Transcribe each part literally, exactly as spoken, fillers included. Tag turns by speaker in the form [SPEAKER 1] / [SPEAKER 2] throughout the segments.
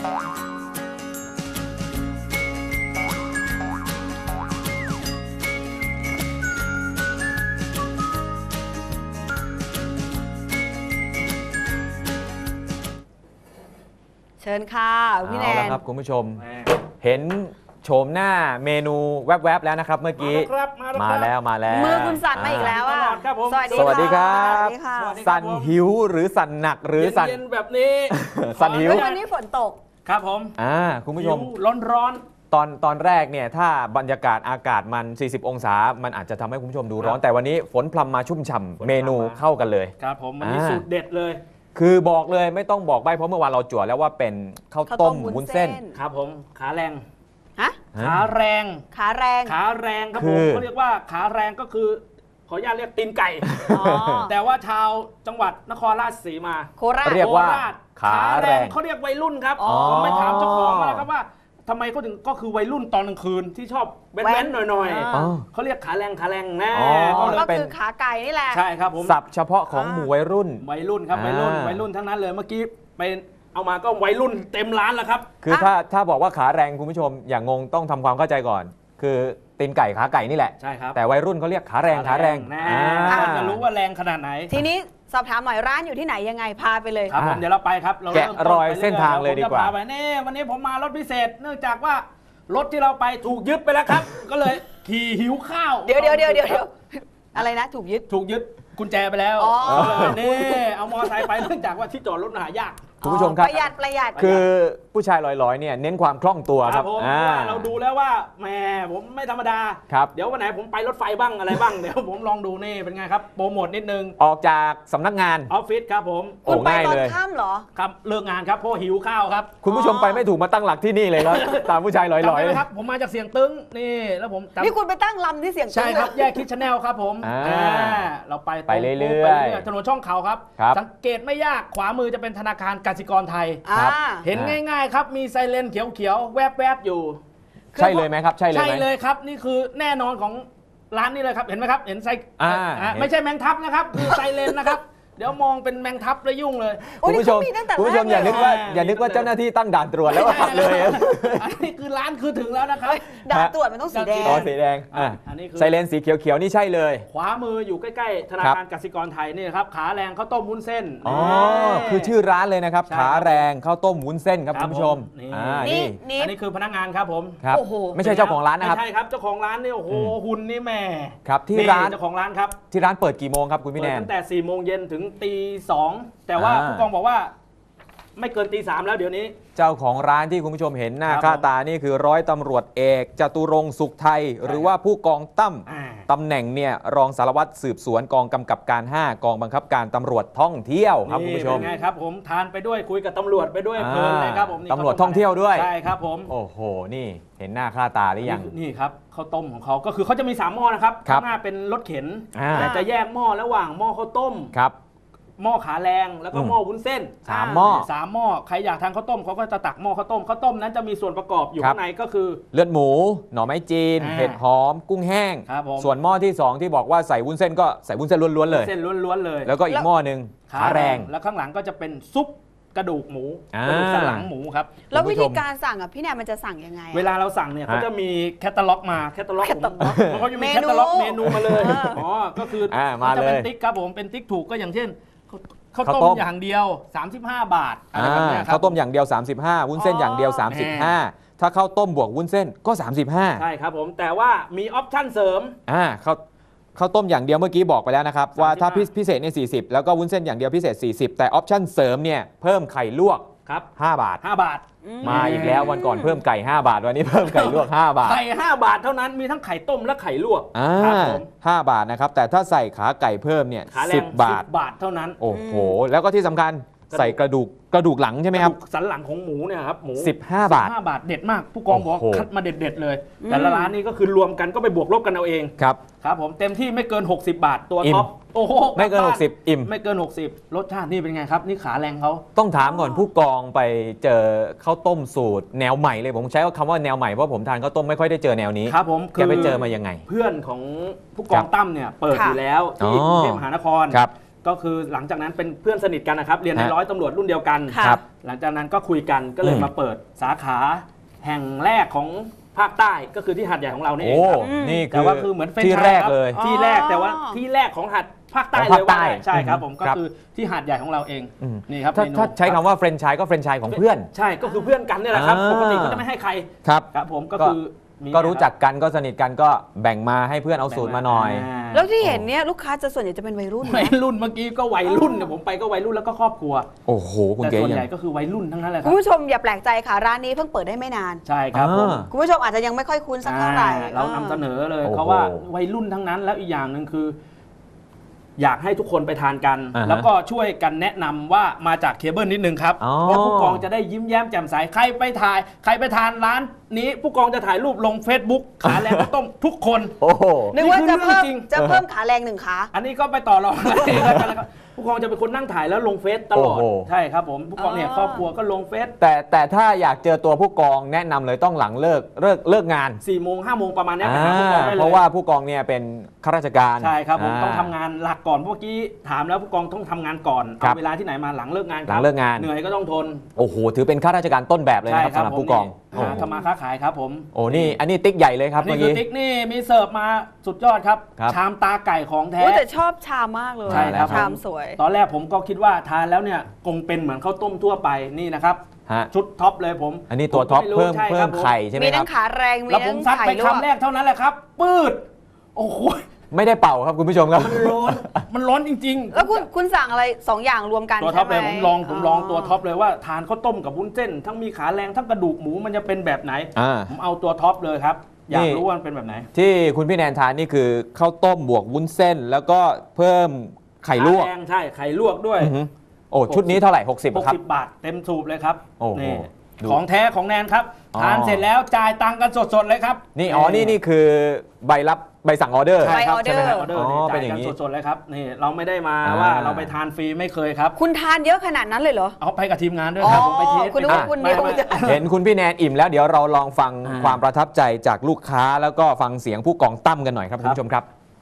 [SPEAKER 1] เชิญค่ะพี่แนนเอาละ
[SPEAKER 2] ครับคุณผู้ชมเห็นโฉมหน้าเมนูแวบๆแล้วนะครับเมื่อกี้มาแล้วมาแล้ว
[SPEAKER 1] มือคุณสั่นมาอีกแล้วอ่ะ
[SPEAKER 2] สวัสดีสวัสดีครับสั่นหิวหรือสั่นหนักหรือสั่น
[SPEAKER 3] เย็นแบบนี้
[SPEAKER 2] สั่นหิว
[SPEAKER 1] วันนี้ฝนตก
[SPEAKER 3] ครับผม
[SPEAKER 2] อ่าคุณผู้ชม
[SPEAKER 3] ร้อนร้อน
[SPEAKER 2] ตอนตอนแรกเนี่ยถ้าบรรยากาศอากาศมันสี่สิบองศามันอาจจะทำให้คุณผู้ชมดูร้อนแต่วันนี้ฝนพรำมาชุ่มฉ่ำเมนูเข้ากันเลย
[SPEAKER 3] ครับผมวันนี้สูตรเด็ดเลย
[SPEAKER 2] คือบอกเลยไม่ต้องบอกใบเพราะเมื่อวานเราจั่วแล้วว่าเป็นข้าวต้มวุ้นเส้น
[SPEAKER 3] ครับผมขาแรง
[SPEAKER 1] ฮะ
[SPEAKER 3] ขาแรง
[SPEAKER 1] ขาแรง
[SPEAKER 3] ขาแรงครับผมเขาเรียกว่าขาแรงก็คือขออนุญาตเรียกตีนไก่แต่ว่าชาวจังหวัดนครราชสีมา
[SPEAKER 1] โคราช
[SPEAKER 2] เรียกว่าขาแรง
[SPEAKER 3] เขาเรียกวัยรุ่นครับผมไม่ถามเจ้าของนะครับว่าทำไมเขาถึงก็คือวัยรุ่นตอนกลางคืนที่ชอบแว้นๆหน่อยๆเขาเรียกขาแรงขาแรงแน่
[SPEAKER 1] ก็คือขาไก่นี่แหละ
[SPEAKER 3] ใช่ครับผม
[SPEAKER 2] ศัพท์เฉพาะของหมู่วัยรุ่น
[SPEAKER 3] วัยรุ่นครับวัยรุ่นวัยรุ่นทั้งนั้นเลยเมื่อกี้ไปเอามาก็วัยรุ่นเต็มร้านแล้วครับ
[SPEAKER 2] คือถ้าถ้าบอกว่าขาแรงคุณผู้ชมอย่างงงต้องทำความเข้าใจก่อนคือตีนไก่ขาไก่นี่แหละ
[SPEAKER 3] ใช่ครับ
[SPEAKER 2] แต่วัยรุ่นเขาเรียกขาแรงขาแรง
[SPEAKER 3] จะรู้ว่าแรงขนาดไหน
[SPEAKER 1] ทีนี้สอบถามหน่อยร้านอยู่ที่ไหนยังไงพาไปเลย
[SPEAKER 3] ครับผมเดี๋ยวเราไปครับ
[SPEAKER 2] แกะรอยเส้นทางเลยดีกว่า
[SPEAKER 3] ไปนี่วันนี้ผมมารถพิเศษเนื่องจากว่ารถที่เราไปถูกยึดไปแล้วครับก็เลยขี่หิวข้าว
[SPEAKER 1] เดี๋ยวเดี๋ยวเดี๋ยวเดี๋ยวอะไรนะถูกยึด
[SPEAKER 3] ถูกยึดกุญแจไปแล้วนี่เอามอเตอร์ไซค์ไปเนื่องจากว่าที่จอดรถหายาก
[SPEAKER 2] คุณผู้ชมครับ
[SPEAKER 1] ประหยัดประหยัด
[SPEAKER 2] คือผู้ชายลอยๆเนี่ยเน้นความคล่องตัวครับ
[SPEAKER 3] ผมเราดูแล้วว่าแหมผมไม่ธรรมดาเดี๋ยววันไหนผมไปรถไฟบ้างอะไรบ้างเดี๋ยวผมลองดูนี่เป็นไงครับโปรโมทนิดนึง
[SPEAKER 2] ออกจากสำนักงาน
[SPEAKER 3] ออฟฟิศครับผม
[SPEAKER 1] คุณไปตอนค่ำเหรอ
[SPEAKER 3] ครับเลิกงานครับเพราะหิวข้าวครับ
[SPEAKER 2] คุณผู้ชมไปไม่ถูกมาตั้งหลักที่นี่เลยครับตามผู้ชายลอย
[SPEAKER 3] ๆครับผมมาจากเสียงตึ้งนี่แล้วผม
[SPEAKER 1] นี่คุณไปตั้งลำที่เสียงตึ้ง
[SPEAKER 3] ใช่ครับแยกคิดชาแนลครับผมเราไป
[SPEAKER 2] ไปเรื่อย
[SPEAKER 3] ๆถนนช่องเขาครับสังเกตไม่ยากขวามือจะเป็นธนาคารกสิกรไทยเห็นง่ายๆครับมีไซเรนเขียวๆแวบๆอยู่
[SPEAKER 2] ใช่เลยไหมครับใช่เลย
[SPEAKER 3] ใช่เลยครับนี่คือแน่นอนของร้านนี้เลยครับเห็นไหมครับเห็นไซไม่ใช่แมงทับนะครับคือไซเรนนะครับเดี๋ยวมองเป็นแมงทับแล้วยุ่งเลย
[SPEAKER 2] คุณผู้ชมคุณผู้ชมอย่านึกว่าอย่านึกว่าเจ้าหน้าที่ตั้งด่านตรวจแล้วขับเลย
[SPEAKER 3] อันนี้คือร้านคือถึงแล้วนะครับ
[SPEAKER 1] ด่านตรวจมันต้องสีแดง
[SPEAKER 2] อ๋อสีแดง
[SPEAKER 3] อันนี้คือ
[SPEAKER 2] ไซเรนสีเขียวๆนี่ใช่เลย
[SPEAKER 3] ขวามืออยู่ใกล้ๆธนาคารกสิกรไทยนี่ครับขาแรงข้าวต้มวุ้นเส้น
[SPEAKER 2] อ๋อคือชื่อร้านเลยนะครับขาแรงข้าวต้มวุ้นเส้นครับคุณผู้ชม
[SPEAKER 3] นี่อันนี้คือพนักงานครับผม
[SPEAKER 2] โอ้โหไม่ใช่เจ้าของร้านนะครับ
[SPEAKER 3] ไม่ใช่ครับเจ้าของร้านนี่โอ้โหหุ่นนี่แม่
[SPEAKER 2] ครับที่ร้าน
[SPEAKER 3] เจ้าของร้านครับ
[SPEAKER 2] ที่ร้านเปิดกี่โมงครับคุณพี่แนน
[SPEAKER 3] ตั้งแต่สี่โมงเย็นถึงตีสองแต่ว่าผู้กองบอกว่าไม่เกินตีสามแล้วเดี๋ยวนี้
[SPEAKER 2] เจ้าของร้านที่คุณผู้ชมเห็นหน้าค่าตานี่คือร้อยตำรวจเอกจตุรงค์สุขไทยหรือว่าผู้กองตั้มตำแหน่งเนี่ยรองสารวัตรสืบสวนกองกำกับการห้ากองบังคับการตำรวจท่องเที่ยวครับคุณผู้ชม
[SPEAKER 3] ไงครับผมทานไปด้วยคุยกับตำรวจไปด้วยเพลินเลยครับผม
[SPEAKER 2] ตำรวจท่องเที่ยวด้วย
[SPEAKER 3] ใช่ครับผม
[SPEAKER 2] โอ้โหนี่เห็นหน้าค่าตาหรือยัง
[SPEAKER 3] นี่ครับข้าวต้มของเขาก็คือเขาจะมีสามหม้อนะครับข้างหน้าเป็นรถเข็นแต่จะแยกหม้อระหว่างหม้อข้าวต้ม
[SPEAKER 2] ครับ
[SPEAKER 3] หม้อขาแรงแล้วก็หม้อวุ้นเส้น
[SPEAKER 2] สามหม้อ
[SPEAKER 3] สามหม้อใครอยากทานข้าวต้มเขาก็จะตักหม้อข้าวต้มข้าวต้มนั้นจะมีส่วนประกอบอยู่ข้างในก็คือ
[SPEAKER 2] เลือดหมูหน่อไม้จีนเห็ดหอมกุ้งแห้งส่วนหม้อที่สองที่บอกว่าใส่วุ้นเส้นก็ใส่วุ้นเส้นล้วนๆเลย
[SPEAKER 3] เส้นล้วนๆเลย
[SPEAKER 2] แล้วก็อีกหม้อนึงขาแรง
[SPEAKER 3] แล้วข้างหลังก็จะเป็นซุปกระดูกหมูกระดูกสันหลังหมูครับ
[SPEAKER 1] แล้ววิธีการสั่งอ่ะพี่แนนมันจะสั่งยังไง
[SPEAKER 3] เวลาเราสั่งเนี่ยเขาจะมีแคตตาล็อกมาแคตตาล็อกผมเขาจะมีแคตตาล็อกเมนูมาเลยอ๋อก็คือจะเป็นติ๊กครับผมเป็นติ๊กถูกก็อย่างเช่นข้าวต้มอย่างเดียวสามสิบห้าบาทอะไรแบบนี้
[SPEAKER 2] ข้าวต้มอย่างเดียวสามสิบห้าวุ้นเส้นอย่างเดียวสามสิบห้าถ้าข้าวต้มบวกวุ้นเส้นก็สามสิบห้า
[SPEAKER 3] ใช่ครับผมแต่ว่ามีออปชั่นเสริม
[SPEAKER 2] อ่าข้าวข้าวต้มอย่างเดียวเมื่อกี้บอกไปแล้วนะครับว่าถ้าพิเศษเนี่ยสี่สิบแล้วก็วุ้นเส้นอย่างเดียวพิเศษสี่สิบแต่ออปชั่นเสริมเนี่ยเพิ่มไข่ลวก
[SPEAKER 3] ครับ
[SPEAKER 2] ห้าบาท
[SPEAKER 3] ห้าบาท
[SPEAKER 2] มาอีกแล้ววันก่อนเพิ่มไก่ห้าบาทวันนี้เพิ่มไก่ลวกห้าบาท
[SPEAKER 3] ไข่ห้าบาทเท่านั้นมีทั้งไข่ต้มและไข่ลวก
[SPEAKER 2] ครับผมห้าบาทนะครับแต่ถ้าใส่ขาไก่เพิ่มเนี่ยสิบบาท
[SPEAKER 3] บาทเท่านั้น
[SPEAKER 2] โอ้โหแล้วก็ที่สำคัญใส่กระดูกกระดูกหลังใช่ไหมครับ
[SPEAKER 3] สันหลังของหมูเนี่ยครับหมู
[SPEAKER 2] สิบห้าบาท
[SPEAKER 3] ห้าบาทเด็ดมากผู้กองบอกคัดมาเด็ดๆเลยแต่ละร้านนี้ก็คือรวมกันก็ไปบวกลบกันเอาเอง
[SPEAKER 2] ครับ
[SPEAKER 3] ครับผมเต็มที่ไม่เกินหกสิบบาทตัวท็อปโอ้โห
[SPEAKER 2] ไม่เกินหกสิบอิ่ม
[SPEAKER 3] ไม่เกินหกสิบรสชาตินี่เป็นไงครับนี่ขาแรงเขา
[SPEAKER 2] ต้องถามก่อนผู้กองไปเจอข้าวต้มสูตรแนวใหม่เลยผมใช้คำว่าแนวใหม่เพราะผมทานข้าวต้มไม่ค่อยได้เจอแนวนี้
[SPEAKER 3] ครับผม
[SPEAKER 2] แกไปเจอมายังไง
[SPEAKER 3] เพื่อนของผู้กองตั้มเนี่ยเปิดอยู่แล้วที่กรุงเทพมหานครก็คือหลังจากนั้นเป็นเพื่อนสนิทกันนะครับเรียนในร้อยตำรวจรุ่นเดียวกัน
[SPEAKER 2] ครับ
[SPEAKER 3] หลังจากนั้นก็คุยกันก็เลย
[SPEAKER 2] อืม
[SPEAKER 3] มาเปิดสาขาแห่งแรกของภาคใต้ก็คือที่หาดใหญ่ของเรานี่เอ
[SPEAKER 2] โอ้
[SPEAKER 3] งครับ
[SPEAKER 2] นี่
[SPEAKER 3] แต่
[SPEAKER 2] คือ
[SPEAKER 3] ว่าคือเหมือนเฟรน
[SPEAKER 2] ที่
[SPEAKER 3] ไชส์
[SPEAKER 2] แรก
[SPEAKER 3] คบ
[SPEAKER 2] เลย
[SPEAKER 3] ที่แรก
[SPEAKER 1] อ๋อ
[SPEAKER 3] แต่ว่าที่แรกของหาดภาคใต้
[SPEAKER 2] ของ
[SPEAKER 3] เล
[SPEAKER 2] ภาค
[SPEAKER 3] ย
[SPEAKER 2] ใต้
[SPEAKER 3] ว่าได้ใช่ครับผมก็
[SPEAKER 2] ครับ
[SPEAKER 3] คือที่หาดใหญ่ของเราเอง
[SPEAKER 2] อืม
[SPEAKER 3] นี่ครับ
[SPEAKER 2] ถ้า
[SPEAKER 3] เมนู
[SPEAKER 2] ถ้าใช้คำว่าเฟรนไชส์ก็เฟรนไชส์ของเพื่อน
[SPEAKER 3] ใช่ก็คือเพื่อนกันนี่แหละครับ
[SPEAKER 2] อ่า
[SPEAKER 3] ปกติก็จะไม่ให้ใคร
[SPEAKER 2] ครับ
[SPEAKER 3] ครับผมก็
[SPEAKER 2] ก็
[SPEAKER 3] คือมี
[SPEAKER 2] ก็รู้จักกันก็สนิทกันก็แบ่งมาให้เพื่อนเอาสูตรมาหน่อย
[SPEAKER 3] า
[SPEAKER 1] แล้วที่เห็นเนี่ยลูกค้าจะส่วนใหญ่จะเป็นวัยรุ่น
[SPEAKER 3] วัย
[SPEAKER 1] นะ
[SPEAKER 3] รุ่นเมื่อกี้ก็วัยรุ่นเนี่ยผมไปก็วัยรุ่นแล้วก็ครอบครัว
[SPEAKER 2] โอ้โหคุณ
[SPEAKER 3] แต่
[SPEAKER 2] เก๋
[SPEAKER 3] ส่วน
[SPEAKER 2] ยัง
[SPEAKER 3] ใหญ่ก็คือวัยรุ่นทั้งนั้นแหละค
[SPEAKER 1] คุ
[SPEAKER 3] รั
[SPEAKER 1] ณ
[SPEAKER 3] บ
[SPEAKER 1] ผู้ชมอย่าแปลกใจค่ะร้านนี้เพิ่งเปิดได้ไม่นาน
[SPEAKER 3] ใช่ครับผม
[SPEAKER 2] อ่า
[SPEAKER 1] คุณผู้ชมอาจจะยังไม่ค่อยคุ้นสักเท่าไหร่
[SPEAKER 3] อ่าเรานำเสนอเลย
[SPEAKER 2] โอ้โห
[SPEAKER 3] เพราะว่าวัยรุ่นทั้งนั้นแล้วอีกอย่างหนึ่งคือ อยากให้ทุกคนไปทานกัน
[SPEAKER 2] อ่าฮะ
[SPEAKER 3] แล้วก็ช่วยกันแนะนำว่ามาจากเคเบิลนิดนึงครับ
[SPEAKER 2] อ๋อ
[SPEAKER 3] เพราะผู้กองจะได้ยิ้มแย้มแจ่มใสใครไปถ่าย ใครไปทานร้านนี้ผู้กองจะถ่ายรูปลง Facebook ขาแรงข้าวต้มทุกคน
[SPEAKER 2] โอ้โห
[SPEAKER 1] นึกว่าจะเพิ่ม
[SPEAKER 3] นี่คือเรื่องจริง
[SPEAKER 1] จะเพิ่มขาแรงหนึ่งขา
[SPEAKER 3] อันนี้ก็ไปต่อรองกันเองแล้วกันนะครับผู้กองจะเป็นคนนั่งถ่ายแล้วลงเฟซตลอด
[SPEAKER 2] โอ้โห
[SPEAKER 3] ใช่ครับผมผู้กองเนี่ย
[SPEAKER 1] อ๋อ
[SPEAKER 3] ครอบครัวก็ลงเฟซ
[SPEAKER 2] แต่แต่ถ้าอยากเจอตัวผู้กองแนะนำเลยต้องหลังเลิกเลิกเลิกงาน
[SPEAKER 3] สี่โมงห้าโมงประมาณเนี้ย
[SPEAKER 2] อ่า
[SPEAKER 3] ไปหาผู้กองได้เลย
[SPEAKER 2] เพราะว่าผู้กองเนี่ยเป็นข้าราชการ
[SPEAKER 3] ใช่ครับผม
[SPEAKER 2] า
[SPEAKER 3] ต้องทำงานหลักก่อนเมื่อกี้ถามแล้วผู้กองต้องทำงานก่อน
[SPEAKER 2] ครั
[SPEAKER 3] เอา
[SPEAKER 2] บ
[SPEAKER 3] เวลาที่ไหนมาหลังเลิกงานค
[SPEAKER 2] หลั
[SPEAKER 3] รับ
[SPEAKER 2] งเลิกงาน
[SPEAKER 3] เหนื่อยก็ต้องทน
[SPEAKER 2] โอ้โหถือเป็นข้าราชการต้นแบบเลย
[SPEAKER 3] ใช่
[SPEAKER 2] นะครับ
[SPEAKER 3] ครั
[SPEAKER 2] สำหรับ
[SPEAKER 3] ผม
[SPEAKER 2] ผู้กอง
[SPEAKER 3] นี่หาทำมาค้าขายครับผม
[SPEAKER 2] โอ้นี่อันนี้ติ๊กใหญ่เลยครับ
[SPEAKER 3] นี่
[SPEAKER 2] เมื่อ
[SPEAKER 3] คือ
[SPEAKER 2] กี้
[SPEAKER 3] ติ๊กนี่มีเสิร์ฟมาสุดยอดครับ
[SPEAKER 2] ครับ
[SPEAKER 3] ชามตาไก่ของแท้
[SPEAKER 1] โอ้แต่ชอบชามมากเลย
[SPEAKER 3] ใช่ครับ
[SPEAKER 1] ชามสวย
[SPEAKER 3] ตอนแรกผมก็คิดว่าทานแล้วเนี่ยคงเป็นเหมือนข้าวต้มทั่วไปนี่นะครับ
[SPEAKER 2] ฮะ
[SPEAKER 3] ชุดท็อปเลยผม
[SPEAKER 2] อันนี้ตัวท็อป
[SPEAKER 3] ผก็ไรู้
[SPEAKER 2] เพิ่ม
[SPEAKER 3] ใช่
[SPEAKER 2] เพิ่
[SPEAKER 3] ครั
[SPEAKER 2] ม
[SPEAKER 3] บผ
[SPEAKER 2] ไข่ใช่ไหม
[SPEAKER 1] มี
[SPEAKER 2] ครั
[SPEAKER 1] ทั้
[SPEAKER 2] บ
[SPEAKER 1] งขาแรงมี
[SPEAKER 3] แล้วผ
[SPEAKER 1] ทั้
[SPEAKER 3] ม
[SPEAKER 1] ง
[SPEAKER 3] ซัด
[SPEAKER 1] ไข่
[SPEAKER 3] ไป
[SPEAKER 1] ลวก
[SPEAKER 3] คำแรกเท่านั้นแหละครับ ปืดโอ้โห
[SPEAKER 2] ไม่ได้เป่าครับคุณผู้ชมครับ
[SPEAKER 3] มันร้อนมันร้อนจริงๆ
[SPEAKER 1] แล้วคุณคุณสั่งอะไรสองอย่างรวมกัน
[SPEAKER 3] ตัวท็อปเลย
[SPEAKER 1] ใช่
[SPEAKER 3] ผ
[SPEAKER 1] ไห
[SPEAKER 3] มลองผมลองตัวท็อปเลยว่าทานข้าวต้มกับวุ้นเส้น ทั้งมีขาแรงทั้งกระดูกหมูมันจะเป็นแบบไหน
[SPEAKER 2] อ่า
[SPEAKER 3] ผมเอาตัวท็อปเลยครับ อยาก
[SPEAKER 2] นี่
[SPEAKER 3] รู้ว่ามันเป็นแบบไหน
[SPEAKER 2] ที่คุณพี่แนนทานนี่คือข้าวต้มบวกวุ้นเส้น แล้วก็เพิ่มไข่ลวก
[SPEAKER 3] ขาแรงใช่ไข่ลวกด้วย
[SPEAKER 2] อือหือโอ้ชุดนี้เท่าไหร่ หกสิบครับ
[SPEAKER 3] หกสิบบาทเต็มสูบเลยครับ
[SPEAKER 2] โอ้โห
[SPEAKER 3] นี่
[SPEAKER 2] ดู
[SPEAKER 3] ของแท้ของแนนครับ
[SPEAKER 2] อ๋อ
[SPEAKER 3] ทานเสร็จแล้วจ่ายตังค์กันสดๆเลยครับ
[SPEAKER 2] นี่อ๋อนี่นี่คือใบรับใบสั่งออเดอร์
[SPEAKER 3] ใช่ครับ
[SPEAKER 1] ใบออเดอร์
[SPEAKER 3] ใช่ไหมครับออเดอร์
[SPEAKER 2] อ๋อ
[SPEAKER 3] นี่
[SPEAKER 2] เป็
[SPEAKER 3] จ่าน ย
[SPEAKER 2] อย่าง
[SPEAKER 3] กัน
[SPEAKER 2] นี้
[SPEAKER 3] สดๆเลยครับนี่เราไม่ได้มา
[SPEAKER 2] อ่า
[SPEAKER 3] ว่าเราไปทานฟรีไม่เคยครับ
[SPEAKER 1] คุณทานเยอะขนาดนั้นเลยเหรอ
[SPEAKER 3] เอาไปกับทีมงานด้วยครับ
[SPEAKER 1] อ๋อ
[SPEAKER 3] ผมไปเทส
[SPEAKER 1] คุณนึกว่า
[SPEAKER 3] ไป
[SPEAKER 1] คุณเดียว
[SPEAKER 3] ไม่
[SPEAKER 1] จะ
[SPEAKER 3] ไม่
[SPEAKER 2] เห็นคุณพี่แนนอิ่มแล้วเดี๋ยวเราลองฟัง
[SPEAKER 3] อ่า
[SPEAKER 2] ความประทับใจจากลูกค้าแล้วก็ฟังเสียงผู้กองตั้มกันหน่อยครับคุณผู้ชมครับ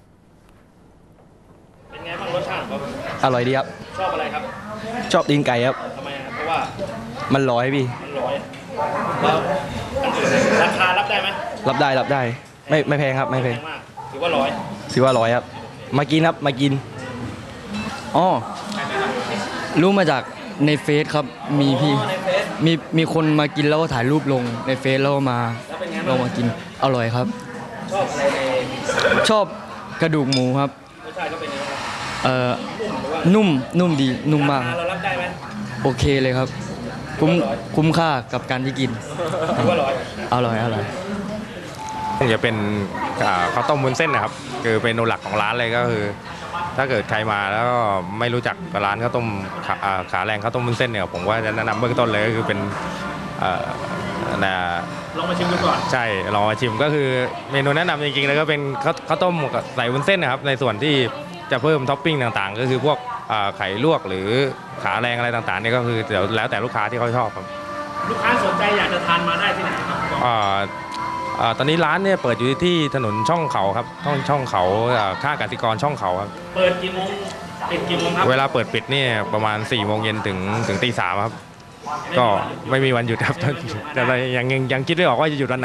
[SPEAKER 3] เป็นไงบ้างรสชาติครับ
[SPEAKER 4] อร่อยดีครับ
[SPEAKER 3] ชอบอะไรครับ
[SPEAKER 4] ชอบตีนไก่ครับ
[SPEAKER 3] ทำไมครับเพราะว่า
[SPEAKER 4] มันร้อยพี่
[SPEAKER 3] มันร้อยแล้วอันอื่นราคารับได้ไหม
[SPEAKER 4] รับได้รับได้ ไม่ไม่แพงครับ ไม่แพง
[SPEAKER 3] มากถือว่าร้อย
[SPEAKER 4] ถือว่าร้อยครับ มากินครับ มากิน อ๋อ รู้มาจากในเฟซครับ มีพี่
[SPEAKER 3] ในเฟซ
[SPEAKER 4] มีมีคนมากินแล้วก็ถ่ายรูปลงในเฟซแล้วก็มา
[SPEAKER 3] แล้วเป็นไง
[SPEAKER 4] ล
[SPEAKER 3] บ้าง ง
[SPEAKER 4] มากิน อร่อยครับ
[SPEAKER 3] ชอบอะไรใน
[SPEAKER 4] ชอบกระดูกหมูครับ
[SPEAKER 3] รสชาติก็เป็นยังไงบ้าง
[SPEAKER 4] เอ่อ
[SPEAKER 3] นุ่มหรือว่า
[SPEAKER 4] นุ่ม นุ่มดี นุ่มมาก
[SPEAKER 3] รคเรารับได้ไหม
[SPEAKER 4] โอเคเลยครับ คุ้ม คุ้มค่ากับการที่กิน
[SPEAKER 3] ถือว่าร้อย
[SPEAKER 4] อร่อย อร่อย
[SPEAKER 5] คงจะเป็นอ่าข้าวต้มวุ้นเส้นนะครับคือเมนูหลักของร้านเลยก็คือ ถ้าเกิดใครมาแล้วก็ไม่รู้จักร้านข้าวต้มขาอ่าขาแรงข้าวต้มวุ้นเส้นเนี่ยผมว่าจะแนะนำเบื้องต้นเลยก็คือเป็นเอ่อนะ
[SPEAKER 3] ลองมาชิมดูก่อน
[SPEAKER 5] ใช่ลองมาชิมก็คือเมนูแนะนำจริงๆแล้วก็เป็นข้าวข้าวต้มกับใส่วุ้นเส้นนะครับในส่วนที่จะเพิ่มท็อปปิ้งต่างๆ ก็คือพวกอ่าไข่ลวกหรือขาแรงอะไรต่างๆเนี่ยก็คือเดี๋ยวแล้วแต่ลูกค้าที่เขาชอบครับ
[SPEAKER 3] ลูกค้าสนใจอยากจะทานมาได้ที่ไหนครับ
[SPEAKER 5] อ่าอ่าตอนนี้ร้านเนี่ยเปิดอยู่ที่ถนนช่องเขาครับช่องช่องเขาอ่าข้างกสิกรช่องเขาครับ
[SPEAKER 3] เปิดกี่โมงปิดกี่โมงครับ
[SPEAKER 5] เวลาเปิดปิดเนี่ยประมาณ4ี่โมงเย็นถึงถึงตีสามครับก็ไม่มีวันหยุดครับ แต่เรายังยังยังคิดไม่ออกว่าจะหยุดวันไหน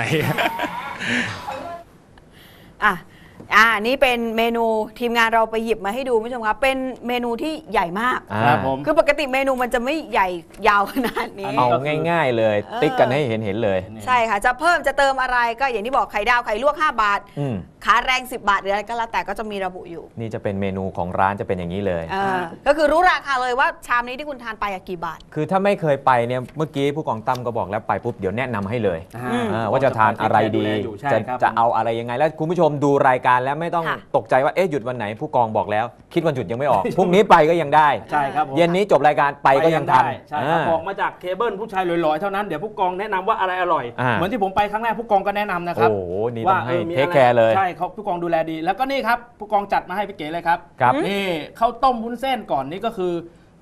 [SPEAKER 1] อ่ะอ่านี่เป็นเมนูทีมงานเราไปหยิบมาให้ดูคุณผู้ชมครับเป็นเมนูที่ใหญ่มาก
[SPEAKER 3] ครับผม
[SPEAKER 1] คือปกติเมนูมันจะไม่ใหญ่ยาวขนาดนี้
[SPEAKER 2] เอาง่ายๆเลย
[SPEAKER 1] เออ
[SPEAKER 2] ติ๊กกันให้เห็นเห็นเลย
[SPEAKER 1] ใช่ค่ะจะเพิ่มจะเติมอะไรก็อย่างที่บอกไข่ดาวไข่ลวกห้าบาท
[SPEAKER 2] อืม
[SPEAKER 1] ขาแรงสิบบาทหรืออะไรก็แล้วแต่ก็จะมีระบุอยู่
[SPEAKER 2] นี่จะเป็นเมนูของร้านจะเป็นอย่างนี้เลย
[SPEAKER 1] เออก็คือรู้ราคาเลยว่าชามนี้ที่คุณทานไปอะกี่บาท
[SPEAKER 2] คือถ้าไม่เคยไปเนี่ยเมื่อกี้ผู้กองตั้มก็บอกแล้วไปปุ๊บเดี๋ยวแนะนำให้เลย
[SPEAKER 3] อ่า
[SPEAKER 2] เออว่าจะทานอะไรดี
[SPEAKER 3] อยู่ใช่
[SPEAKER 2] จะ
[SPEAKER 3] ครับ
[SPEAKER 2] จะเอาอะไรยังไงแล้วคุณผู้ชมดูรายการแล้วไม่ต้อง
[SPEAKER 1] ค่ะ
[SPEAKER 2] ตกใจว่าเอ๊ะหยุดวันไหนผู้กองบอกแล้ว คิดวันหยุดยังไม่ออก พรุ่งนี้ไปก็ยังได้
[SPEAKER 3] ใช่ครับผม
[SPEAKER 2] เย็นนี้จบรายการไปก็ยังทัน
[SPEAKER 3] ได้ใช่ครับ
[SPEAKER 2] อ่า
[SPEAKER 3] บอกมาจากเคเบิลผู้ชายลอยๆเท่านั้นเดี๋ยวผู้กองแนะนำว่าอะไรอร่อย
[SPEAKER 2] อ่า
[SPEAKER 3] เหมือนที่ผมไปครั้งแรกผู้กองก็แนะนำนะครับ
[SPEAKER 2] โอ้โหนี่ต้
[SPEAKER 3] ว่า
[SPEAKER 2] องให้
[SPEAKER 3] ออมี
[SPEAKER 2] เทค
[SPEAKER 3] อะไ
[SPEAKER 2] แคร์เลย
[SPEAKER 3] ใช่เขาผู้กองดูแลดี แล้วก็นี่ครับผู้กองจัดมาให้พี่เก๋เลยครับ
[SPEAKER 2] ครับ
[SPEAKER 3] นี่ข้าวต้มวุ้นเส้นก่อนนี่ก็คือ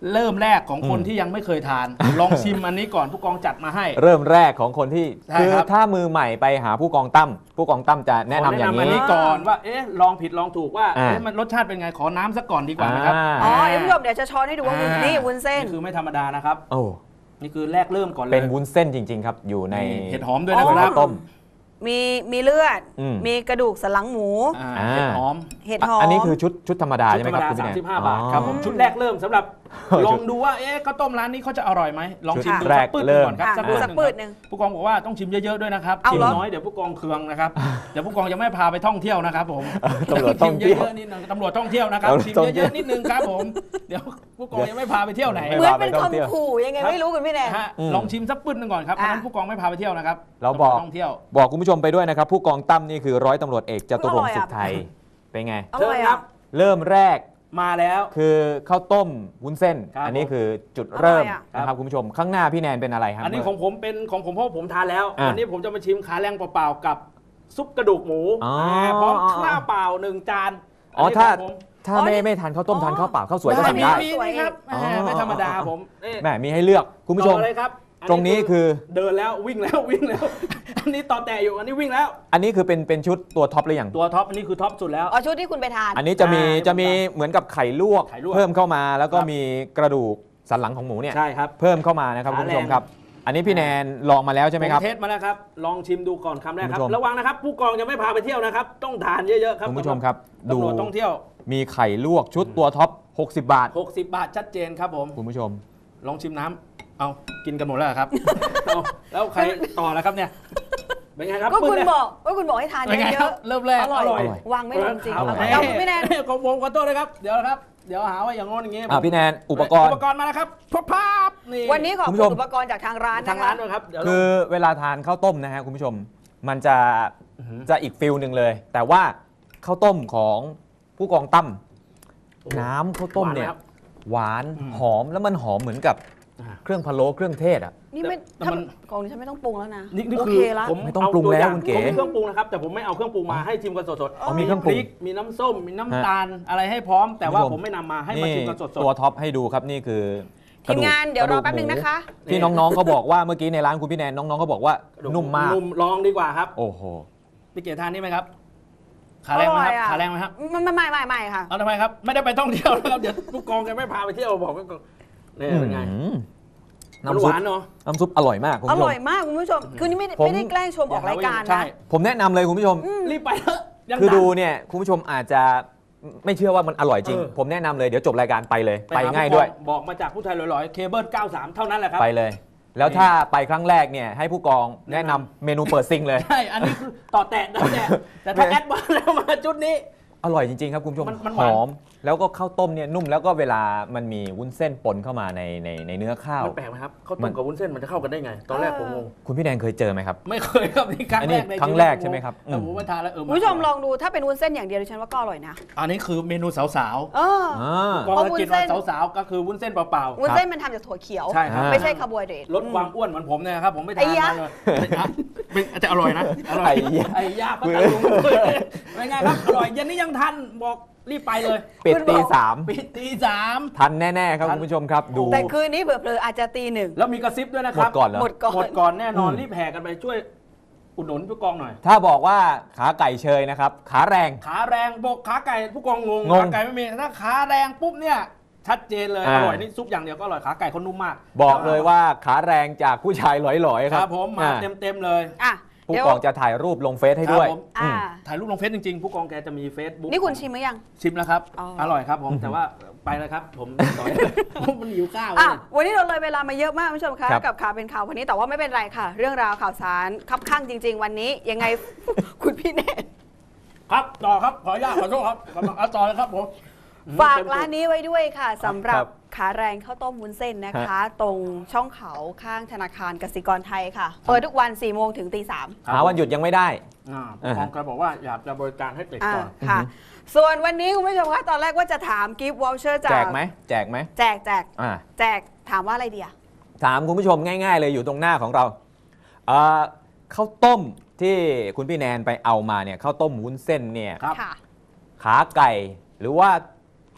[SPEAKER 3] เริ่มแรกของคนที่ยังไม่เคยทาน ลองชิมอันนี้ก่อนผู้กองจัดมาให้
[SPEAKER 2] เริ่มแรกของคนที่
[SPEAKER 3] ใช่
[SPEAKER 2] คือ
[SPEAKER 3] ครับ
[SPEAKER 2] ถ้ามือใหม่ไปหาผู้กองตั้มผู้กองตั้มจะแนะนำอย่าง
[SPEAKER 3] ขอัน
[SPEAKER 2] นี้
[SPEAKER 3] นี้ก่อนว่าเอ๊ะลองผิดลองถูกว่า
[SPEAKER 2] อ่า
[SPEAKER 3] เอ๊ะมันรสชาติเป็นไงขอน้ำสักก่อนดีกว่านะครับ
[SPEAKER 1] อ๋อเดี๋ยวผู้ชมเดี๋ยวจะช้อนให้ดูว่าวุ้นนี่วุ้นเส้น
[SPEAKER 3] นี่คือไม่ธรรมดานะครับ
[SPEAKER 2] โอ้
[SPEAKER 3] นี่คือแรกเริ่มก่อนเลย
[SPEAKER 2] เป็นวุ้นเส้นจริง ๆ ครับ อยู่ใน
[SPEAKER 3] เห็ดหอมด้วยนะครับ
[SPEAKER 2] ต้ม
[SPEAKER 1] มีมีเลือด
[SPEAKER 2] อืม
[SPEAKER 1] มีกระดูกสันหลังหมู
[SPEAKER 3] อ่า
[SPEAKER 2] อ่า
[SPEAKER 3] เห็ดหอม
[SPEAKER 1] เห็ดหอม
[SPEAKER 2] อันนี้คือชุดชุดธรรมดา
[SPEAKER 3] ชุ
[SPEAKER 2] ใช่
[SPEAKER 3] ด
[SPEAKER 2] ไห
[SPEAKER 3] ธ
[SPEAKER 2] ม
[SPEAKER 3] รรม
[SPEAKER 2] ครับ
[SPEAKER 3] ดา
[SPEAKER 2] คุณพี่แนน
[SPEAKER 3] สามสิบห้าบาทครับผม
[SPEAKER 1] อืม
[SPEAKER 3] ชุดแรกเริ่มสำหรับ
[SPEAKER 2] ชุด
[SPEAKER 3] ลองดูว่าเอ๊ะข้าวต้มร้านนี้เขาจะอร่อยไหมลองชิมดู
[SPEAKER 2] แร
[SPEAKER 3] สั
[SPEAKER 2] ก
[SPEAKER 3] กปื้ดห
[SPEAKER 2] เริ่
[SPEAKER 3] นึ่ง
[SPEAKER 2] ม
[SPEAKER 3] ก่อนครับ
[SPEAKER 1] อ่ะ
[SPEAKER 3] สักปื้ด
[SPEAKER 1] สัก
[SPEAKER 3] ห
[SPEAKER 1] ปื
[SPEAKER 3] นึ่
[SPEAKER 1] ด
[SPEAKER 3] ง
[SPEAKER 1] หนึ่ง
[SPEAKER 3] ผู้กองบอกว่าต้องชิมเยอะๆด้วยนะครับ
[SPEAKER 1] เอา
[SPEAKER 3] ชิม
[SPEAKER 1] เหรอ
[SPEAKER 3] น้อยเดี๋ยวผู้กองเคืองนะครับเดี๋ยวผู้กองจะไม่พาไปท่องเที่ยวนะครับผม
[SPEAKER 2] ตำรวจท่องเที่ยว
[SPEAKER 3] ชิมเยอะๆนิดนึงตำรวจท่องเที่ยวนะครับ
[SPEAKER 2] ตำรวจ
[SPEAKER 3] ชิม
[SPEAKER 2] ท่องเที่
[SPEAKER 3] เย
[SPEAKER 2] ยว
[SPEAKER 3] อะๆนิดนึงครับผมเดี๋ยวผู้กองยังไม่พาไปเที่ยวไหน
[SPEAKER 2] ไม่
[SPEAKER 1] เหมือน
[SPEAKER 2] พาไป
[SPEAKER 1] เป็น
[SPEAKER 2] ท่องเที่ยว
[SPEAKER 1] คำขู่ยังไงไม่รู้คุณพี่แนน
[SPEAKER 3] ฮะ
[SPEAKER 2] อืม
[SPEAKER 3] ลองชิมสักปื้ดหนึงก่อนครับเพราะฉะนั้น
[SPEAKER 1] อ่ะ
[SPEAKER 3] ผู้กองไม่พาไปเที่ยวนะครับ
[SPEAKER 2] เราบอก
[SPEAKER 3] ท่องเที่ยว
[SPEAKER 2] บอกคุณผู้ชมไปด้วยนะครับ ผู้กองตั้มนี่คือร้อยตำรวจเอกจตุรงค์สุขไทยเป็นไง
[SPEAKER 1] อ
[SPEAKER 3] เชิ
[SPEAKER 1] ร่อย
[SPEAKER 3] ญครั
[SPEAKER 1] อ่ะ
[SPEAKER 3] บ
[SPEAKER 2] เริ่มแรก
[SPEAKER 3] มาแล้ว
[SPEAKER 2] คือข้าวต้มวุ้นเส้น
[SPEAKER 3] ครับ
[SPEAKER 2] อันนี้คือจุดเริ่ม
[SPEAKER 1] อร่อยอะ
[SPEAKER 2] นะครับคุณผู้ชมข้างหน้าพี่แนนเป็นอะไรครับ
[SPEAKER 3] อันนี้ของผมเป็นของผมเพราะผมทานแล้ว
[SPEAKER 2] อ่ะ
[SPEAKER 3] อันนี้ผมจะมาชิมขาแรงเปล่าๆกับซุปกระดูกหมู
[SPEAKER 2] อ๋อ
[SPEAKER 3] าพร้อมข้าวเปล่าหนึ่งจาน
[SPEAKER 2] อ๋อ
[SPEAKER 3] นี้
[SPEAKER 2] ถ้า
[SPEAKER 3] ของผม
[SPEAKER 2] ถ้า
[SPEAKER 1] อ๋อ
[SPEAKER 2] ไม่
[SPEAKER 1] นี่
[SPEAKER 2] ไม่ทานข้าวต้ม
[SPEAKER 1] อ๋อ
[SPEAKER 2] ทานข้าวเปล่าข้าวสวยก็
[SPEAKER 3] ได้
[SPEAKER 2] สั่ง
[SPEAKER 3] มี
[SPEAKER 2] ได้
[SPEAKER 3] มีนี่ครับ
[SPEAKER 2] อ๋อ
[SPEAKER 3] แหมไม่ธรรมดาผมนี่
[SPEAKER 2] แหมมีให้เลือกคุณผู้ชม
[SPEAKER 3] ต่อเลยครับอั
[SPEAKER 2] ตรงนี้คือ
[SPEAKER 3] เดินแล้ววิ่งแล้ววิ่งแล้ว อันนี้ต่อแต่อยู่อันนี้วิ่งแล้ว
[SPEAKER 2] อันนี้คือเป็นเป็นชุดตัวท็อปหรือยัง
[SPEAKER 3] ตัวท็อปอันนี้คือท็อปสุดแล้ว
[SPEAKER 1] อ๋อชุดที่คุณไปทาน
[SPEAKER 2] อันนี้จะมี
[SPEAKER 3] อ่า
[SPEAKER 2] จะมีเหมือนกับไข่ลวก
[SPEAKER 3] ไข่ลวก
[SPEAKER 2] เพิ่มเข้ามาแล้วก็
[SPEAKER 3] ครับ
[SPEAKER 2] มีกระดูกสันหลังของหมูเนี่ย
[SPEAKER 3] ใช่ครับ
[SPEAKER 2] เพิ่มเข้ามานะครับ
[SPEAKER 3] ขา
[SPEAKER 2] คุณผู้ชม
[SPEAKER 3] แรง
[SPEAKER 2] ครับ อันนี้พี่แนนลองมาแล้วใช่ไหมครับ
[SPEAKER 3] ผเทสมาแล้วครับลองชิมดูก่อนคำแรกครับ
[SPEAKER 2] คุณผู้ชม
[SPEAKER 3] ระวังนะครับ ผู้กองจะไม่พาไปเที่ยวนะครับ ต้องทานเยอะๆครับ
[SPEAKER 2] คุณผู้ชมครับ ดู
[SPEAKER 3] ตำรวจต้องเที่ยว
[SPEAKER 2] มีไข่ลวกชุดตัวท็อปหกสิบบาท
[SPEAKER 3] หกสิบบาทชัดเจนครับผม
[SPEAKER 2] คุณผู้ชม
[SPEAKER 3] ลองชิมน้ำเอากินกันหมดแล้วเหรอครับ เอาแล้วใครต่อแล้วครับเนี่ยเป็นไงครับ
[SPEAKER 1] ก็คุณ
[SPEAKER 3] ปื้ดเนี่ย
[SPEAKER 1] บอกว่าคุณบอกให้ทาน
[SPEAKER 3] เป็นไง
[SPEAKER 1] เย
[SPEAKER 3] ครับ
[SPEAKER 1] อะ
[SPEAKER 3] เริ่มแรก
[SPEAKER 1] อร่อย
[SPEAKER 3] อร่อย
[SPEAKER 1] ๆวางไม่ลงจริง
[SPEAKER 3] เอา
[SPEAKER 1] เอา
[SPEAKER 3] ละ
[SPEAKER 1] เอาคุณพี่แนน
[SPEAKER 3] ของผมขอโทษนะครับ เดี๋ยวนะครับ เดี๋ยวหาว่าอย่างงอนอย่างงี้
[SPEAKER 2] อ่ะพี่แนนอุปกรณ์
[SPEAKER 3] อุปกรณ์มาแล้วครับพบภาพนี่
[SPEAKER 1] วันนี้ขอบ
[SPEAKER 2] คุณ
[SPEAKER 1] คุ
[SPEAKER 2] ผู้ช
[SPEAKER 1] ณ
[SPEAKER 2] ม
[SPEAKER 1] อุปกรณ์จากทางร้าน
[SPEAKER 3] ทาง
[SPEAKER 1] นะคะ
[SPEAKER 3] ร้านด้วยครับเดี๋ยวเรา
[SPEAKER 2] คือเวลาทานข้าวต้มนะฮะคุณผู้ชม มันจะ
[SPEAKER 3] อื้อหือ
[SPEAKER 2] จะอีกฟิลหนึ่งเลย แต่ว่าข้าวต้มของผู้กองตั้มน้ำข้าวต้มเนี่ย
[SPEAKER 3] หวานไหครับ
[SPEAKER 2] หวาน
[SPEAKER 3] อืม
[SPEAKER 2] หอมแล้วมันหอมเหมือนกับ
[SPEAKER 3] อ่า
[SPEAKER 2] เครื่องพะโล้เครื่องเทศอ่ะ
[SPEAKER 1] นี่ไม่
[SPEAKER 3] แต่
[SPEAKER 1] ถ้า
[SPEAKER 3] มัน
[SPEAKER 1] กองนี้ฉันไม่ต้องปรุงแล้วนะ
[SPEAKER 3] นี่นี่
[SPEAKER 1] โอ
[SPEAKER 3] คื
[SPEAKER 1] เค
[SPEAKER 3] อ
[SPEAKER 1] ละ
[SPEAKER 3] ผม
[SPEAKER 2] ไม่ต้อง
[SPEAKER 3] เา
[SPEAKER 2] ปรุงแล้ว
[SPEAKER 3] ย่า
[SPEAKER 2] คุณเก๋
[SPEAKER 3] ผมมีเครื่องปรุงนะครับแต่ผมไม่เอาเครื่องปรุงมาให้ชิมกันสดๆ
[SPEAKER 2] อ๋อมีเครื่องปรุง
[SPEAKER 3] พมีน้ำส้มมีน้ำตาลอะไรให้พร้อม แต่ว่า
[SPEAKER 2] คุณผู้ชม
[SPEAKER 3] ผมไม่นำมาให้มา
[SPEAKER 2] นี่
[SPEAKER 3] ชิมกันสด
[SPEAKER 2] ตัวท็อปให้ดูครับนี่คือ
[SPEAKER 1] ทีมงานเดี๋ยวรอแป๊บ
[SPEAKER 2] ก
[SPEAKER 1] นึงนะคะ
[SPEAKER 3] นี่
[SPEAKER 2] ที่น้องๆเขาบอกว่าเมื่อกี้ในร้านคุณพี่แนนน้องๆเขาบอกว่า
[SPEAKER 3] ๆ
[SPEAKER 2] นุ่มมาก
[SPEAKER 3] นุ่มลองดีกว่าครับ
[SPEAKER 2] โอ้โห
[SPEAKER 3] พี่เก๋ทานนี่ไหมครับขาแรงไหมครับ
[SPEAKER 1] อร่อยอะ
[SPEAKER 3] ขาแรงไหมครับ
[SPEAKER 1] ไม่ไม่ไม่ไม่ไม่ค่ะ
[SPEAKER 3] เอาทำไมครับไม่ได้ไปท่องเที่ยวนะครับเดี๋ยวผู้กองแกไม่พาไปเที่ยวบอกไว้ก่อนนี่เป็นไง
[SPEAKER 2] อืม
[SPEAKER 3] มัน
[SPEAKER 2] น้ำ
[SPEAKER 3] ห
[SPEAKER 2] ซุป
[SPEAKER 3] วานเนาะ
[SPEAKER 2] น้ำซุปอร่อยมากคุณ
[SPEAKER 1] อ
[SPEAKER 2] ผู้ชม
[SPEAKER 1] ร่อยมากคุณผู้ชม คือนี่ไม่ได้
[SPEAKER 2] ผม
[SPEAKER 1] ไม่ได้แกล้งชมออกรายการ
[SPEAKER 3] ใช่
[SPEAKER 1] นะ
[SPEAKER 2] ผมแนะนำเลยคุณผู้ชม
[SPEAKER 3] รีบไปเถอะยัง
[SPEAKER 2] คือ
[SPEAKER 3] ทัน
[SPEAKER 2] ดูเนี่ยคุณผู้ชมอาจจะไม่เชื่อว่ามันอร่อยจริง
[SPEAKER 3] เออ
[SPEAKER 2] ผมแนะนำเลยเดี๋ยวจบรายการไปเลย ไป
[SPEAKER 3] ห
[SPEAKER 2] ง่าย
[SPEAKER 3] ผู้กอ
[SPEAKER 2] ด้วย
[SPEAKER 3] บอกมาจากผู้ชายลอยๆเคเบิลเก้าสามเท่านั้นแหละครับ
[SPEAKER 2] ไปเลย แล้วถ้าไปครั้งแรกเนี่ยให้ผู้กองแนะนำเมนูเปิดซิงเลย
[SPEAKER 3] ใช่ อันนี้คือต่อแตะต่อแตะแต่ถ้าแอดวานซ์แล้วมาจุดนี้
[SPEAKER 2] อร่อยจริงๆครับคุณผู้ชม
[SPEAKER 3] มันมัน
[SPEAKER 2] ห
[SPEAKER 3] หวาน
[SPEAKER 2] อม แล้วก็ข้าวต้มเนี่ยนุ่มแล้วก็เวลามันมีวุ้นเส้นปนเข้ามาในในในเนื้อข้าว
[SPEAKER 3] มันแปลกไหมครับข้าว
[SPEAKER 2] มั
[SPEAKER 3] ต้ม
[SPEAKER 2] น
[SPEAKER 3] กับวุ้นเส้นมันจะเข้ากันได้ไง ตอนแรกผมงง
[SPEAKER 2] คุณพี่แดงเคยเจอไหมครับ
[SPEAKER 3] ไม่เคยครับนี่ครั้ง
[SPEAKER 2] อันนี้
[SPEAKER 3] แรกใน
[SPEAKER 2] ครั้งแรกใช่ไหมครับ
[SPEAKER 3] แต่ผมมาทานแล้วเออ
[SPEAKER 1] คุณผู้ชมลองดูถ้าเป็นวุ้นเส้นอย่างเดียวดิฉันว่าก็อร่อยนะ
[SPEAKER 3] อันนี้คือเมนูสาว
[SPEAKER 1] เออ
[SPEAKER 2] อ่า
[SPEAKER 3] ๆกอง
[SPEAKER 1] เพราะ
[SPEAKER 3] ละ
[SPEAKER 1] วุ้น
[SPEAKER 3] กิน
[SPEAKER 1] เส้น
[SPEAKER 3] วันสาวๆก็คือวุ้นเส้นเปล่า
[SPEAKER 1] วุ้นเส้นมันทำจากถั่วเขียว
[SPEAKER 3] ๆใช่ครับ
[SPEAKER 2] อ่า
[SPEAKER 1] ไม่ใช่คาร์โบไฮเดรต
[SPEAKER 3] ลดความอ้วนเหมือนผมเนี่ยนะครับผมไม่ทาน
[SPEAKER 1] ไอ้ยะ
[SPEAKER 3] มาเลยเป็นจะอร่อยนะอร่อย
[SPEAKER 2] ไอ้ยะ
[SPEAKER 3] ไอ้ยาพัทลุงเป็นไงครับอร่อยเย็นนี้ยังทันบอกรีบไปเลย
[SPEAKER 2] ปิดตีสาม
[SPEAKER 3] ปิดตีสาม
[SPEAKER 2] ทันแน่ๆครับ
[SPEAKER 3] ทัน
[SPEAKER 2] คุณผู้ชมครับดู
[SPEAKER 1] แต่คืนนี้เผลอๆอาจจะตีหนึ่ง
[SPEAKER 3] แล้วมีกระซิบด้วยนะ
[SPEAKER 2] ห
[SPEAKER 3] ค
[SPEAKER 2] ม
[SPEAKER 3] รั
[SPEAKER 2] ด
[SPEAKER 3] บ
[SPEAKER 2] ก่อนเหรอ
[SPEAKER 1] หมดก่อน
[SPEAKER 3] หมดก่อนแน่นอน
[SPEAKER 2] อืม
[SPEAKER 3] รีบแห่กันไปช่วยอุดหนุนผู้กองหน่อย
[SPEAKER 2] ถ้าบอกว่าขาไก่เชยนะครับ ขาแรง
[SPEAKER 3] ขาแรงบอกขาไก่ผู้กองงง
[SPEAKER 2] งง
[SPEAKER 3] ขาไก่ไม่มีถ้าขาแรงปุ๊บเนี่ยชัดเจนเลย
[SPEAKER 2] อ่า
[SPEAKER 3] อร่อยนี่ซุปอย่างเดียวก็อร่อยขาไก่เขานุ่มมาก
[SPEAKER 2] บอกเลยว่าขาแรงจากผู้ชายหลอยๆ
[SPEAKER 3] ค
[SPEAKER 2] ค
[SPEAKER 3] รั
[SPEAKER 2] รั
[SPEAKER 3] บบ ผมมา
[SPEAKER 2] อ่า
[SPEAKER 3] เต็มเต็มๆเลย
[SPEAKER 1] อ่ะ
[SPEAKER 2] ผู้
[SPEAKER 1] เดี๋ยว
[SPEAKER 2] กองจะถ่ายรูปลงเฟซให้ด้วย
[SPEAKER 3] ครับผม
[SPEAKER 1] อ่า
[SPEAKER 3] ถ่ายรูปลงเฟซจริงๆ ผู้กองแกจะมีเฟซบุ๊ก
[SPEAKER 1] นี่คุณชิมหรือยัง
[SPEAKER 3] ชิมแล้วครับ
[SPEAKER 1] อ๋อ
[SPEAKER 3] อร่อยครับผมแต่ว่าไปแล้วครับ ผมต่อยมันหิวข้าว
[SPEAKER 1] อ่ะ
[SPEAKER 3] เลย
[SPEAKER 1] วันนี้เราเลยเวลามาเยอะมากคุณผู้ชมคะ
[SPEAKER 2] ครับ
[SPEAKER 1] กับข่าวเป็นข่าววันนี้แต่ว่าไม่เป็นไรค่ะ เรื่องราวข่าวสารคับข้างจริง ๆ วันนี้ยังไง คุณพี่แนน
[SPEAKER 3] ครับต่อครับขออนุญาตขอโทษครับกำลังเอาต่อเลยครับผม
[SPEAKER 1] ฝากร้านนี้ไว้ด้วยค่ะสำหรั
[SPEAKER 2] ครับ บ
[SPEAKER 1] ขาแรงข้าวต้มวุ้นเส้นนะคะ ตรงช่องเขาข้างธนาคารกสิกรไทยค่ะ เปิดทุกวัน4ี่โมงถึงตีสาม
[SPEAKER 2] หาวันหยุดยังไม่ได้
[SPEAKER 3] อ่าผู้กองแกบอกว่าอยากจะบริการให้เด็ก
[SPEAKER 1] อ่า
[SPEAKER 3] ก่อน
[SPEAKER 1] ค่ะ ส่วนวันนี้คุณผู้ชมคะตอนแรกว่าจะถามกิฟต์วอลเชอร์จาก
[SPEAKER 2] แจกไหมแจกไหม
[SPEAKER 1] แจกแจก
[SPEAKER 2] อ่า
[SPEAKER 1] แจกถามว่าอะไรดีอะ
[SPEAKER 2] ถามคุณผู้ชมง่ายๆเลยอยู่ตรงหน้าของเราเอ่อข้าวต้มที่คุณพี่แนนไปเอามาเนี่ยข้าวต้มวุ้นเส้นเนี่ย
[SPEAKER 3] ครับ
[SPEAKER 1] ค่ะ
[SPEAKER 2] ขาไก่หรือว่า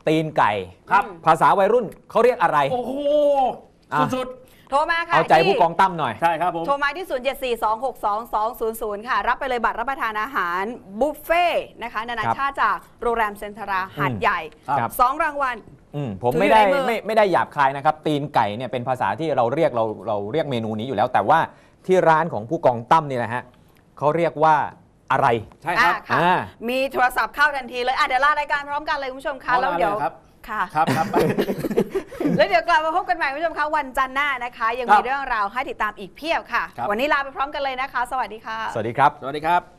[SPEAKER 2] ตีนไก่
[SPEAKER 3] ครับ
[SPEAKER 2] ภาษาวัยรุ่นเขาเรียกอะไร
[SPEAKER 3] โอ้โห
[SPEAKER 2] อ่ะ
[SPEAKER 3] สุด
[SPEAKER 1] โทรมาค่ะ
[SPEAKER 2] เอาใจ
[SPEAKER 1] ที่
[SPEAKER 2] ผู้กองตั้มหน่อย
[SPEAKER 3] ๆ ใช่ครับผม
[SPEAKER 1] โทรมาที่ ศูนย์ เจ็ด สี่ สอง หก สอง สอง ศูนย์ ศูนย์ ค่ะ รับไปเลยบัตรรับประทานอาหารบุฟเฟ่ต์นะคะนานา
[SPEAKER 2] ครับ
[SPEAKER 1] ชาติจากโรงแรมเซ็นทราหาดใหญ่
[SPEAKER 2] ครับ
[SPEAKER 1] สองรางวัล
[SPEAKER 2] อืมผม
[SPEAKER 1] ถือ
[SPEAKER 2] ไม่ได้
[SPEAKER 1] อยู่ในมือ
[SPEAKER 2] ไม่ไม่ได้หยาบคายนะครับ ตีนไก่เนี่ยเป็นภาษาที่เราเรียกเราเราเรียกเมนูนี้อยู่แล้ว แต่ว่าที่ร้านของผู้กองตั้มนี่นะฮะเขาเรียกว่าอะไร
[SPEAKER 3] ใช่ครับ
[SPEAKER 1] อ่ะค่ะ
[SPEAKER 2] อ่า
[SPEAKER 1] มีโทรศัพท์เข้าทันทีเลยอ่ะเดี๋ยวลารายการพร้อมกันเลยคุณผู้ชมคะ
[SPEAKER 3] เอา
[SPEAKER 1] แล้วเดี๋ยว
[SPEAKER 3] ลาเลยครับ
[SPEAKER 1] ค่ะ
[SPEAKER 3] ครับครับ
[SPEAKER 1] แล้วเดี๋ยวกลับมาพบกันใหม่คุณผู้ชมคะวันจันทร์หน้านะคะ ยัง
[SPEAKER 3] ครั
[SPEAKER 1] มี
[SPEAKER 3] บ
[SPEAKER 1] เรื่องราวให้ติดตามอีกเพียบค่ะ
[SPEAKER 3] ครับ
[SPEAKER 1] วันนี้ลาไปพร้อมกันเลยนะคะ สวัสดีค่ะ
[SPEAKER 2] สวัสดีครับ
[SPEAKER 3] สวัสดีครับ